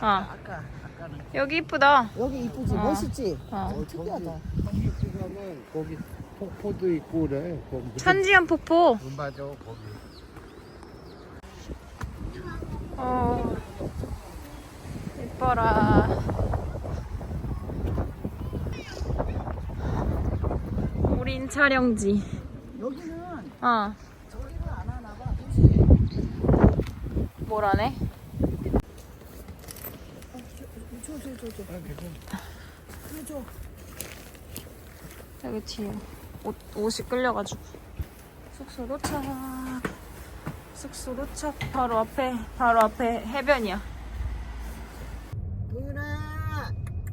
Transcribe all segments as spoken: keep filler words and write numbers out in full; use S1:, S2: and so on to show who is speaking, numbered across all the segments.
S1: 아까 아까는
S2: 여기 이쁘다.
S1: 여기 이쁘지
S2: 어.
S1: 멋있지.
S2: 어.
S1: 어, 특이하다.
S3: 한국에 가면 거기 폭포도 있고 그래. 거기
S2: 산지연 폭포.
S3: 음, 맞아 거기.
S2: 어. 이뻐라. 우린 촬영지.
S1: 여기는
S2: 어.
S1: 저기를 안 하나 봐. 그치?
S2: 뭘 안 해?
S1: 줘줘줘줘.
S3: 아, 괜찮아.
S1: 그래 줘.
S2: 여기 뒤에 옷, 옷이 끌려가지고. 숙소 도착. 숙소 도착. 바로 앞에, 바로 앞에 해변이야.
S1: 도윤아.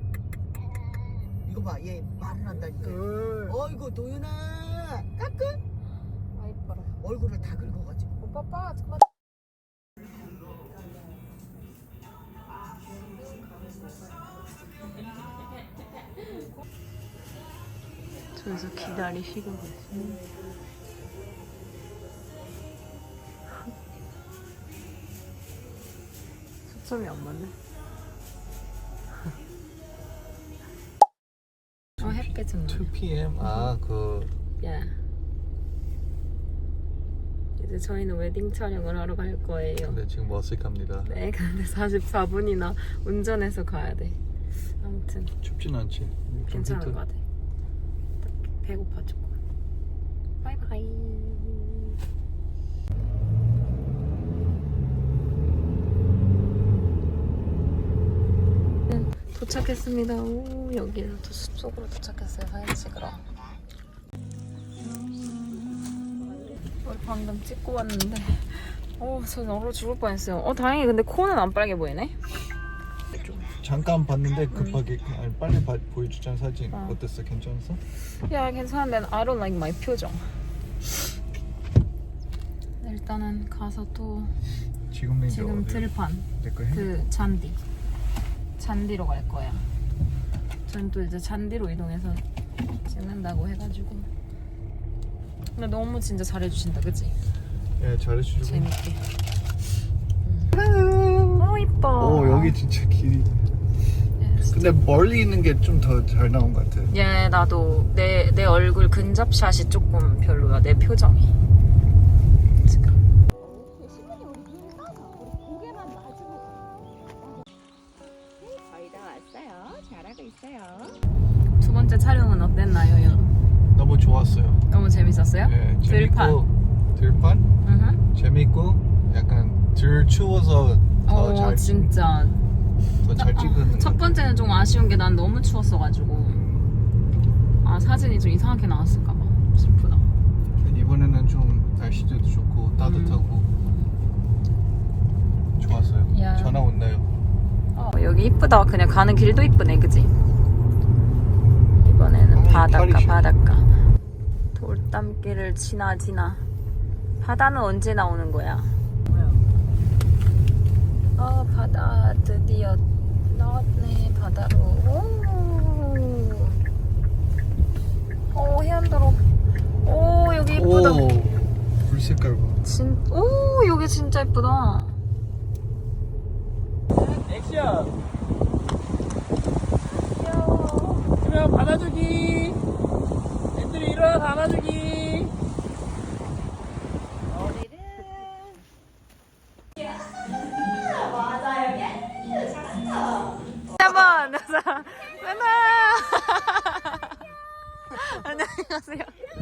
S1: 이거 봐, 얘 말을 한다니까. 어이구 도윤아. 까꿍.
S2: 아, 이뻐라.
S1: 얼굴을 다 긁어가지고.
S2: 오빠, 빠, 잠깐만. 저기서 기다리시고 계십니다. 초점이 안 맞네. 어, 햇빛 좀
S3: 투 피엠 아 그
S2: 야. 이제 저희는 웨딩 촬영을 하러 갈 거예요.
S3: 근데 지금 어색합니다.
S2: 네, 근데 사십사 분이나 운전해서 가야 돼. 아무튼
S3: 춥진 않지. 좀
S2: 괜찮을
S3: 히트.
S2: 것 같아. 딱 배고파 조금. 바이바이. 네, 도착했습니다. 오, 여기는 또 숲속으로 도착했어요. 사진 찍으러. 우리 방금 찍고 왔는데 오, 저 얼어 죽을 뻔했어요. 어, 다행히 근데 코는 안 빨개 보이네.
S3: 잠깐 봤는데 급하게 아니, 빨리 봐, 보여주잖아 사진.
S2: 어.
S3: 어땠어? 괜찮았어?
S2: 야, 괜찮은데 I don't like my 표정. 일단은 가서 또
S3: 지금 이제
S2: 지금
S3: 어디?
S2: 들판
S3: 내거 해?
S2: 그 잔디 잔디로 갈 거야. 전 또 이제 잔디로 이동해서 찍는다고 해가지고. 근데 너무 진짜 잘해주신다, 그치?
S3: 예, 잘해주고.
S2: 재밌게. 음. 어, 이뻐.
S3: 오 여기 진짜 길이. 근데 멀리 있는 게 좀 더 잘 나온 것 같아.
S2: 예, 나도 내, 내 얼굴 근접샷이 조금 별로야. 내 표정이. 지금.
S4: 거의 다 왔어요. 잘하고 있어요.
S2: 두 번째 촬영은 어땠나요?
S3: 너무 좋았어요.
S2: 너무 재밌었어요?
S3: 예,
S2: 들판.
S3: 재밌고 들판
S2: 으흠.
S3: 재밌고 약간 덜 추워서
S2: 어,
S3: 더잘
S2: 진짜.
S3: 더잘 찍은.
S2: 첫 번째는 좀 아쉬운 게 난 너무 추웠어가지고. 아, 사진이 좀 이상하게 나왔을까봐. 슬프다.
S3: 이번에는 좀 날씨도 좋고 따뜻하고 좋았어요.
S2: 야.
S3: 전화 온나요?
S2: 어, 여기 이쁘다. 그냥 가는 길도 이쁘네, 그지? 이번에는
S3: 어,
S2: 바닷가,
S3: 파리시.
S2: 바닷가. 돌담길을 지나 지나. 바다는 언제 나오는 거야? 어, 바다 드디어 나왔네. 바다로. 오, 오, 해안도로. 오, 여기 이쁘다.
S3: 오, 불 색깔 봐.
S2: 진, 오, 여기 진짜 이쁘다.
S5: 액션!
S2: 귀여워.
S5: 그러면 받아주기! 애들이 일어나서 안아주기!
S2: 여러분, 안녕하세요.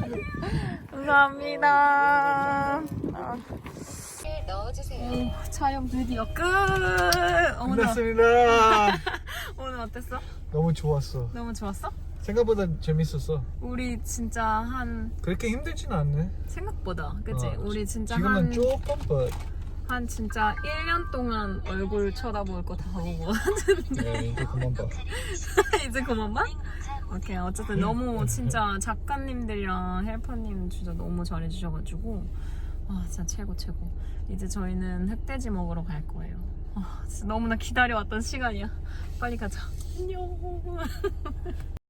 S2: 감사합니다. 아,
S4: 넣어주세요.
S2: 오, 촬영 드디어 끝. 어머나.
S3: 끝났습니다.
S2: 오늘 어땠어?
S3: 너무 좋았어.
S2: 너무 좋았어?
S3: 생각보다 재밌었어.
S2: 우리 진짜 한
S3: 그렇게 힘들진 않네.
S2: 생각보다, 그치?
S3: 어,
S2: 우리 진짜
S3: 지금은
S2: 한,
S3: 조금 but
S2: 한 진짜 일 년 동안 얼굴 쳐다볼 거 다 보고
S3: 네, 이제 그만 봐.
S2: 이제 그만 봐? 오케이. 어쨌든 너무 진짜 작가님들이랑 헬퍼님 진짜 너무 잘해주셔가지고 아, 진짜 최고 최고. 이제 저희는 흑돼지 먹으러 갈 거예요. 아, 진짜 너무나 기다려왔던 시간이야. 빨리 가자. 안녕.